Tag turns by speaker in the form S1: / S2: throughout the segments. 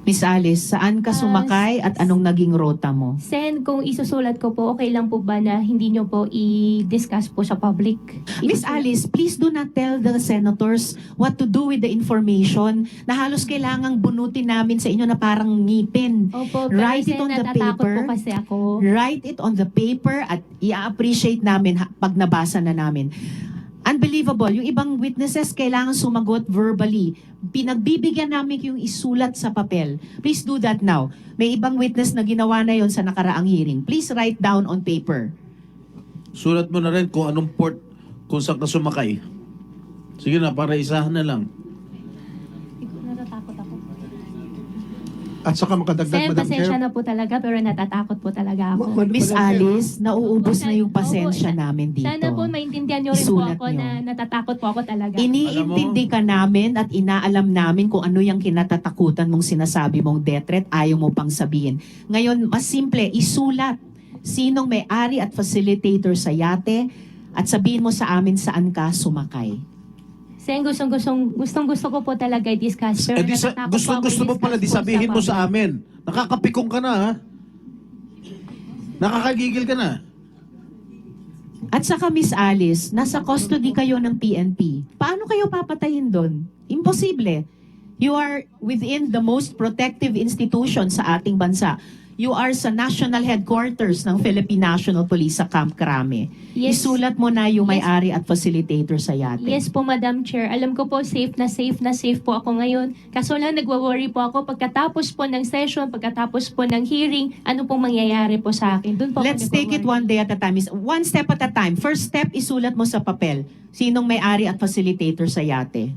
S1: Miss Alice, saan ka sumakay at anong naging rota mo?
S2: Sen, kung isusulat ko po, okay lang po ba na hindi nyo po i-discuss po sa public?
S1: Miss Alice, please do not tell the senators what to do with the information na halos kailangang bunutin namin sa inyo na parang ngipin.
S2: Opo, pero
S1: Write it
S2: Sen,
S1: on the
S2: natatakot
S1: paper.
S2: po kasi ako.
S1: Write it on the paper at i-appreciate namin pag nabasa na namin. Unbelievable. Yung ibang witnesses kailangan sumagot verbally. Pinagbibigyan namin yung isulat sa papel. Please do that now. May ibang witness na ginawa na yon sa nakaraang hearing. Please write down on paper.
S3: Sulat mo na rin kung anong port, kung saan ka sumakay. Sige na, para isahan na lang.
S2: Natatakot ako.
S4: At saka makadagdag,
S2: Sen,
S4: Madam
S2: pasensya
S4: Chair.
S2: na po talaga, pero natatakot po talaga ako.
S1: Miss
S4: Madam Chair.
S1: Alice, nauubos na yung
S2: Opo,
S1: pasensya
S2: sa-
S1: namin dito.
S2: Sana po maintindihan nyo rin po
S1: Isulat
S2: ako
S1: nyo.
S2: na natatakot po ako talaga.
S1: Iniintindi ka namin at inaalam namin kung ano yung kinatatakutan mong sinasabi mong death threat, ayaw mo pang sabihin. Ngayon, mas simple, isulat sinong may-ari at facilitator sa yate at sabihin mo sa amin saan ka sumakay.
S2: Sen, gustong-gusto ko po talaga i-discuss. Pero natatakot
S3: Gusto mo pala, di sabihin mo sa
S2: public.
S3: amin. Nakakapikong ka na, ha? Nakakagigil ka na.
S1: At saka Miss Alice, nasa custody kayo ng PNP. Paano kayo papatayin doon? Imposible. You are within the most protective institution sa ating bansa. You are sa national headquarters ng Philippine National Police sa Camp Crame.
S2: Yes.
S1: Isulat mo na yung
S2: Yes.
S1: may-ari at facilitator sa yate.
S2: Yes po, Madam Chair. Alam ko po, safe na safe po ako ngayon. Kaso lang, nagwa-worry po ako pagkatapos po ng session, pagkatapos po ng hearing, ano pong mangyayari po sa akin. Doon po ako
S1: Let's take it
S2: nagwa-worry.
S1: one day at a time. One step at a time. First step, isulat mo sa papel. Sinong may-ari at facilitator sa yate?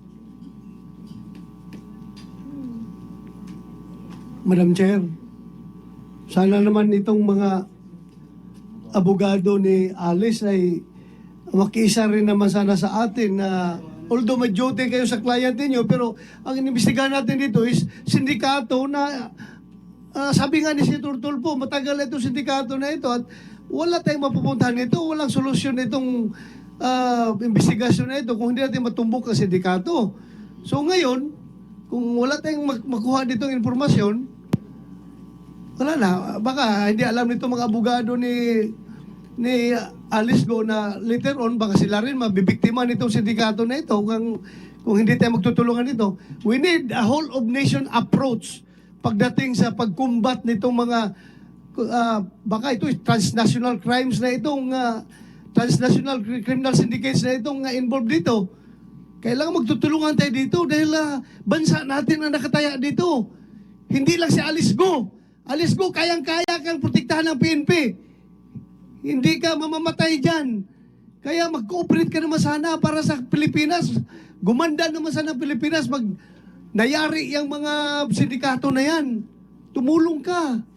S4: Madam Chair, sana naman itong mga abogado ni Alice ay makiisa rin naman sana sa atin na although may duty kayo sa client niyo, pero ang inimbestigahan natin dito is sindikato na sabi nga ni si Tulpo, matagal itong sindikato na ito at wala tayong mapupuntahan nito, walang solusyon itong investigasyon na ito kung hindi natin matumbok ang sindikato. So ngayon, kung wala tayong makuha ditong informasyon, wala na. Baka hindi alam nito mga abogado ni Alice Go na later on, baka sila rin mabibiktima nitong sindikato na ito kung hindi tayo magtutulungan nito. We need a whole of nation approach pagdating sa pagkumbat nitong mga baka ito transnational crimes na itong transnational criminal syndicates na itong involved dito. Kailangan magtutulungan tayo dito dahil bansa natin ang nakataya dito. Hindi lang si Alice Go. Alice Go, kayang-kaya kang protektahan ng PNP. Hindi ka mamamatay dyan. Kaya mag-cooperate ka naman sana para sa Pilipinas. Gumanda naman sana ang Pilipinas. Nayari yung mga sindikato na yan. Tumulong ka.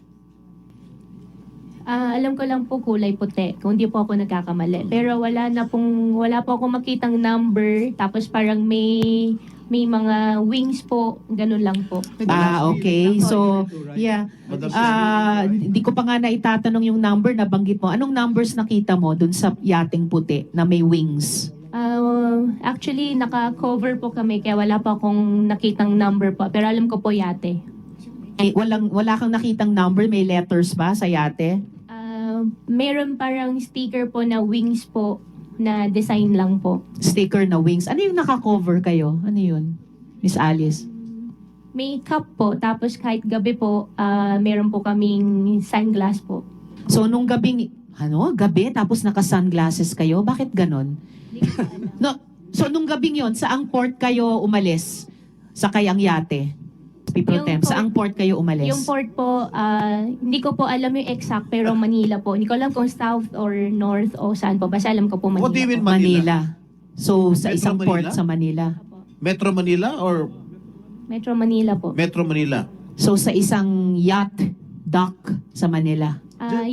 S2: Alam ko lang po kulay puti, kung hindi po ako nagkakamali. Pero wala po ako makitang number, tapos parang may mga wings po, ganun lang po.
S1: Okay. So, yeah. Hindi ko pa nga naitatanong yung number na banggit mo. Anong numbers nakita mo dun sa yating puti na may wings?
S2: Actually, naka-cover po kami, kaya wala pa akong nakitang number po. Pero alam ko po yate.
S1: Wala kang nakitang number? May letters ba sa yate?
S2: Meron parang sticker po na wings po, na design lang po.
S1: Sticker na wings. Ano yung naka-cover kayo? Ano yun? Miss Alice?
S2: May cup po, tapos kahit gabi po, meron po kaming sunglass po.
S1: So, nung gabi, tapos naka-sunglasses kayo? Bakit ganon?
S2: Hindi ko pa alam.
S1: No, so, nung gabing yon, saang port kayo umalis? Sa kayang yate? People
S2: Yung
S1: Temp, saang port kayo umalis?
S2: Yung port po, hindi ko po alam yung exact, pero Manila po. Hindi ko alam kung south or north o saan po. Basta alam ko po Manila.
S3: What do you mean
S2: po.
S3: Manila?
S1: So, sa
S3: Metro
S1: isang port
S3: Manila?
S1: sa Manila.
S2: Opo.
S3: Metro Manila or
S2: Metro Manila po.
S3: Metro Manila?
S1: So, sa isang yacht dock sa Manila.